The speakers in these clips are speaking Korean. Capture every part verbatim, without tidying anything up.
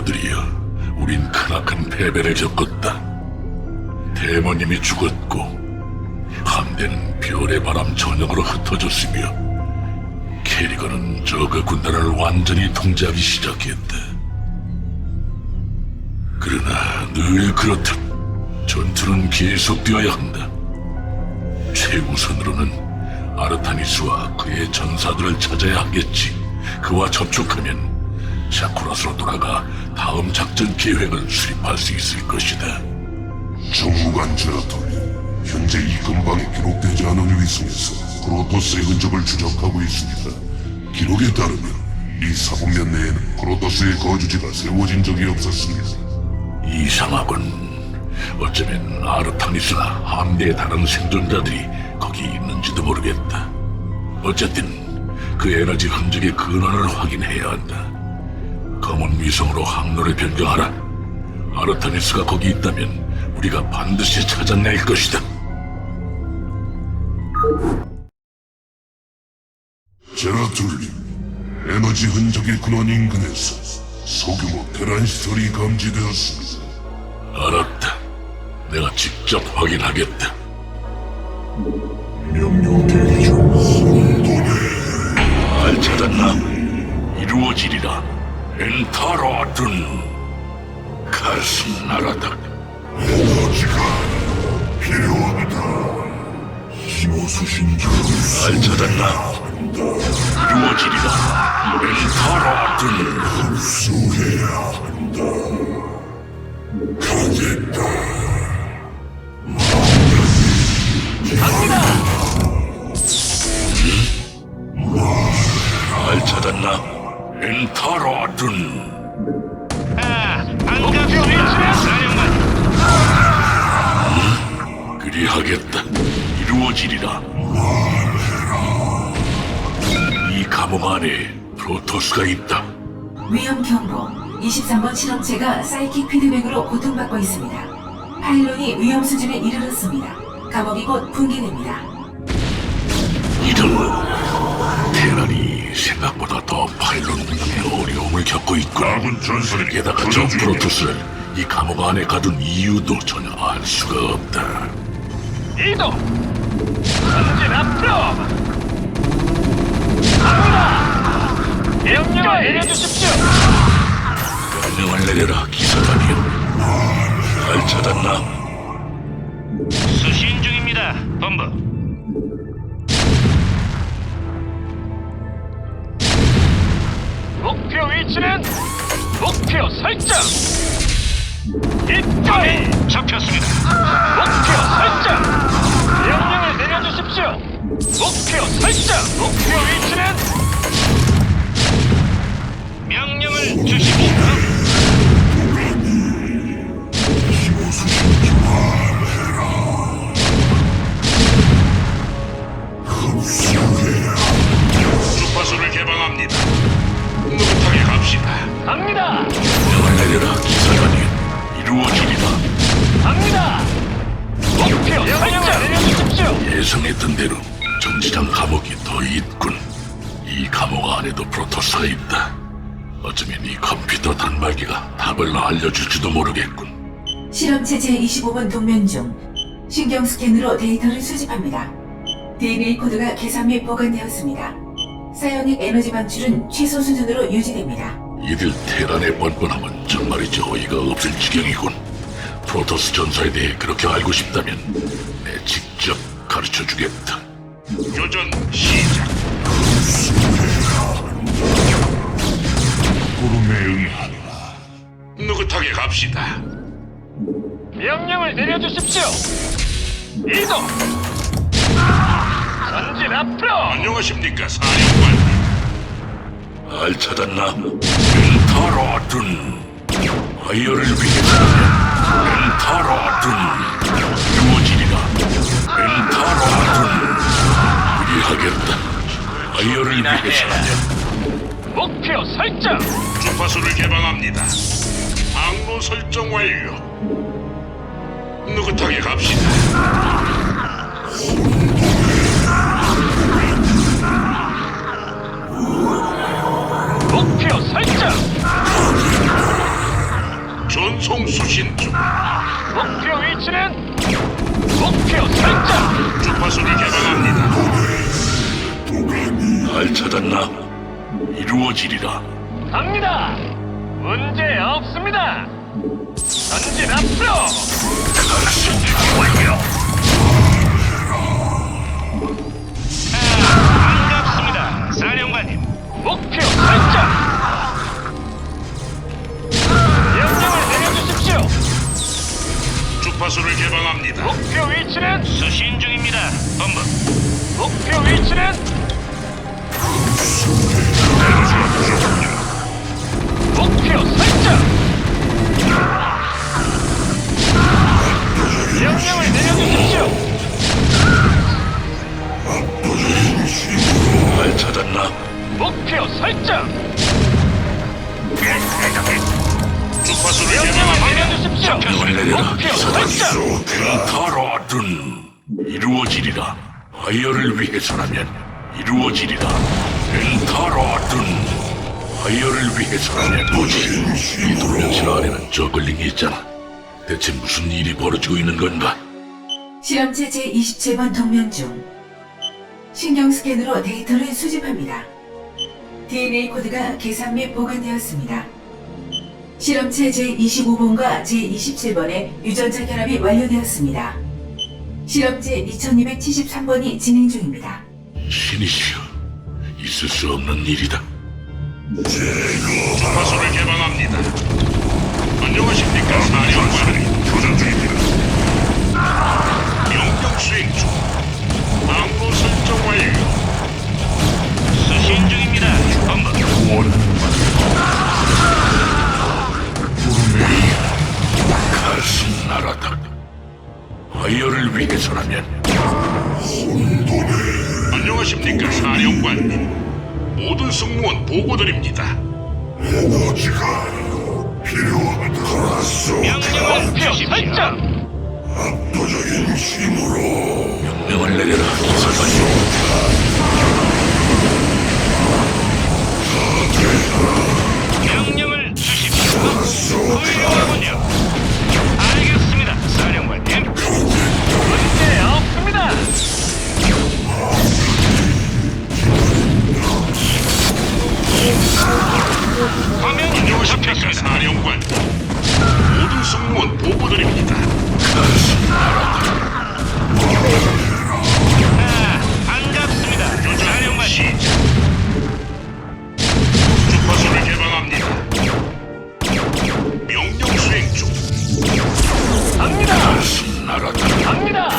놈들이여, 우린 크나큰 패배를 겪었다. 대모님이 죽었고 함대는 별의 바람 전역으로 흩어졌으며 캐리건은 저그 군단을 완전히 통제하기 시작했다. 그러나 늘 그렇듯 전투는 계속되어야 한다. 최우선으로는 아르타니스와 그의 전사들을 찾아야 하겠지. 그와 접촉하면 샤쿠라스로 돌아가 다음 작전 계획을 수립할 수 있을 것이다. 정무관 제라톨이 현재 이 근방에 기록되지 않은 위성에서 프로토스의 흔적을 추적하고 있습니다. 기록에 따르면 이 사분면 내에는 프로토스의 거주지가 세워진 적이 없었습니다. 이상하군. 어쩌면 아르타니스나 함대의 다른 생존자들이 거기 있는지도 모르겠다. 어쨌든 그 에너지 흔적의 근원을 확인해야 한다. 검은 위성으로 항로를 변경하라. 아르타니스가 거기 있다면 우리가 반드시 찾아낼 것이다. 제라툴님, 에너지 흔적의 근원 인근에서 소규모 테란 시설이 감지되었습니다. 알았다. 내가 직접 확인하겠다. 명령 대기 중. 잘 찾았나? 이루어지리라. 엔타로든 가슴 나라다. 에너지가 필요합니다. 신호수신자. 잘 찾았나? 이루어지리라. 엔타로든 흡수해야 한다. 가겠다. 잘 찾았나? 엔타로든 아, 반갑습니다, 사령관. 그리하겠다. 이루어지리라. 이 감옥 안에 프로토스가 있다. 위험 경고. 이십삼 번 실험체가 사이킥 피드백으로 고통받고 있습니다. 파일론이 위험 수준에 이르렀습니다. 감옥이 곧 붕괴됩니다. 이런 테란이 생각보다 더 파일론 운영에 어려움을 겪고 있군. 아군 전선이 게다가 저 교전 중입니다. 프로토스를 이 감옥 안에 가둔 이유도 전혀 알 수가 없다. 이동. 전진 앞으로. 갑니다. 명령을 내려주십시오. 명령을 내려라, 기사단이여. 잘 찾았나? 수신 중입니다, 본부. 목표 위치는 목표 설정. 입장이 잡혔습니다. 목표 설정. 명령을 내려주십시오. 목표 설정. 목표 위치는 명령을 주십시오. 주파수를 개방합니다. 느긋하게 갑시다. 갑니다. 명령을 내려라, 기사단이여. 이루어지리라. 갑니다. 목표 설정. 내려주십시오. 예상했던 대로 정지장 감옥이 더 있군. 이 감옥 안에도 프로토스가 있다. 어쩌면 이 컴퓨터 단말기가 답을 알려줄지도 모르겠군. 실험체 제이십오 번 동면 중 신경 스캔으로 데이터를 수집합니다. 디엔에이 코드가 계산 및 보관되었습니다. 사이오닉 에너지 방출은 최소 수준으로 유지됩니다. 이들 테란의 뻔뻔함은 정말이지 어이가 없을 지경이군. 프로토스 전사에 대해 그렇게 알고 싶다면 내 직접 가르쳐주겠다. 교전 시작. 구름에 응하라. 느긋하게 갑시다. 명령을 내려주십시오. 이동. 전진 앞으로. 안녕하십니까, 사령관. 알 찾았나? 엔타로든 아이어를 위해서라면 엔타로든 이루어지리라. 엔타로든 그리하겠다. 아이어를 위해서라면. 목표 설정. 주파수를 개방합니다. 항로 설정 완료. 느긋하게 갑시다. 목표 설정. 전송 수신 중. 목표 위치는 목표 설정. 주파수를 개방합니다. 날 찾았나? 이루어지리라. 갑니다. 문제 없습니다. 전진 앞으로. 완료. 반갑습니다, 사령관님. 목표 설정. 명령을 내려주십시오. 주파수를 개방합니다. 목표 위치는 수신 중입니다. 본부. 목표 위치는 목표 설정. 명령을 내려주십시오. 날 찾았나? 목표 설정. 주파수를 명령을 개방합니다. 내려주십시오. 명령을 내려라. 목표 설정. 펜타로든 이루어지리라. 아이어를 위해서라면 이루어지리라. 펜타로든 아이어를 위해서라면 뭐지? 이 돌면실 아래는 저글링이 있잖아. 대체 무슨 일이 벌어지고 있는 건가? 실험체 제이십칠 번 동면 중 신경 스캔으로 데이터를 수집합니다. 디엔에이 코드가 계산 및 보관되었습니다. 실험체 제이십오 번과 제이십칠 번의 유전자 결합이 완료되었습니다. 실험체 이천이백칠십삼 번이 진행 중입니다. 신이시여, 있을 수 없는 일이다. 주파수를 개방합니다. 안녕하십니까, 사령관. 교전 중입니다. 명령 수행 중. 항로 설정 완료. 수신 중입니다. 본부. 가슴 나라다. 아이어를 위해서라면 안녕하십니까, 사령관님. 모든 승무원 보고드립니다. 에너지가 필요하다. 목표 설정. 압도적인 힘으로 명령을 내려라. 기사관님. 명령을 주십시오. 훌륭하군요. 알겠습니다, 사령관님. 문제 없습니다. 화면 잡혔습니다, 사령관. 모든 승무원 보고드립니다. 아, 반갑습니다, 사령관님. 주파수를 개방합니다. 명령 수행 중. 갑니다. 가슴 나라다. 갑니다.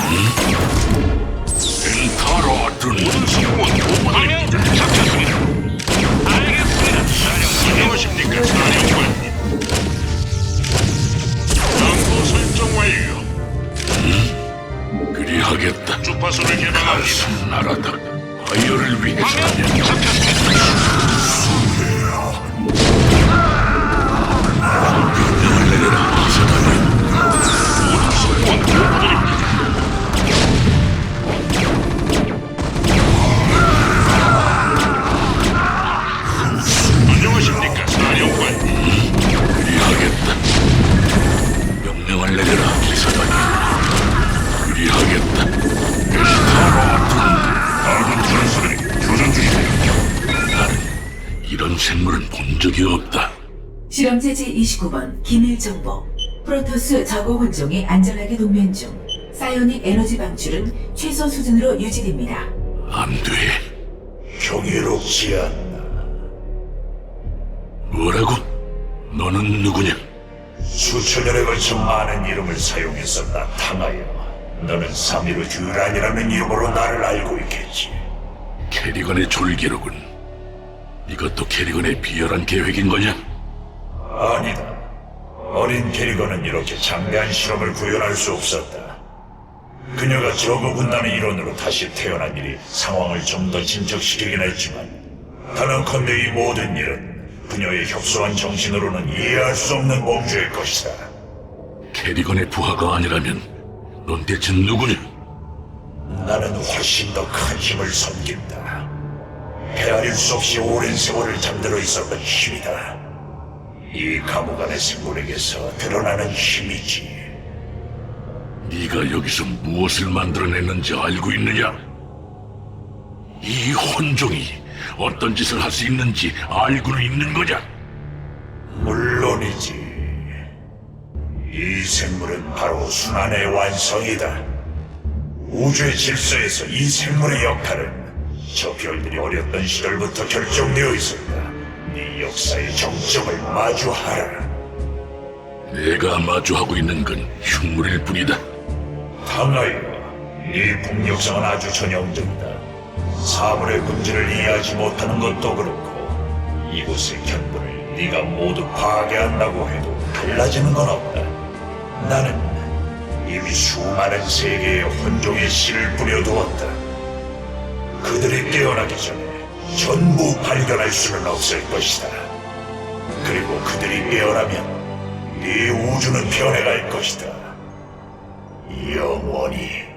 펜타로든 모든 승무원 화면 보고드립니다. 잡혔습니다. 알겠습니다, 사령관님. 안녕하십니까, 사령관님. 항로 설정 완료. 그리하겠다. 주파수를 개방합니다. 가슴 나라다. 아이어를 화면 위해서라면 잡혔습니다. 명령을 내려라. 기사관님. 모든 승무원 보고드립니다. 안녕하십니까, 사령관님. 그리하겠다. 명령을 내려라. 기사관님. 그리하겠다. 펜타로든 아군 전사들이 교전 중입니다. 나는 이런 생물은 본 적이 없다. 실험체 제이십구 번 기밀 정보. 프로토스 저고 혼종이 안전하게 동면 중. 사이오닉 에너지 방출은 최소 수준으로 유지됩니다. 안 돼. 경이롭지 않나. 뭐라고? 너는 누구냐? 수천 년에 걸쳐 많은 이름을 사용해서 나타나여 너는 삼위로 듀란이라는 이름으로 나를 알고 있겠지. 캐리건의 졸기로군. 이것도 캐리건의 비열한 계획인 거냐? 아니다. 어린 캐리건은 이렇게 장대한 실험을 구현할 수 없었다. 그녀가 저거 군단의 일원으로 다시 태어난 일이 상황을 좀 더 진척시키긴 했지만 단언컨대 이 모든 일은 그녀의 협소한 정신으로는 이해할 수 없는 범죄일 것이다. 캐리건의 부하가 아니라면 넌 대체 누구냐? 나는 훨씬 더 큰 힘을 섬긴다. 헤아릴 수 없이 오랜 세월을 잠들어 있었던 힘이다. 이 감옥 안의 생물에게서 드러나는 힘이지. 네가 여기서 무엇을 만들어냈는지 알고 있느냐? 이 혼종이 어떤 짓을 할 수 있는지 알고는 있는 거냐? 물론이지. 이 생물은 바로 순환의 완성이다. 우주의 질서에서 이 생물의 역할은 저 별들이 어렸던 시절부터 결정되어 있었다. 네 역사의 정점을 마주하라. 내가 마주하고 있는 건 흉물일 뿐이다. 당하여 네 폭력성은 아주 전형적이다. 사물의 본질을 이해하지 못하는 것도 그렇고 이곳의 견본을 네가 모두 파괴한다고 해도 달라지는 건 없다. 나는 이미 수많은 세계의 혼종의 씨를 뿌려두었다. 그들이 깨어나기 전에 전부 발견할 수는 없을 것이다. 그리고 그들이 깨어나면 네 우주는 변해갈 것이다. 영원히.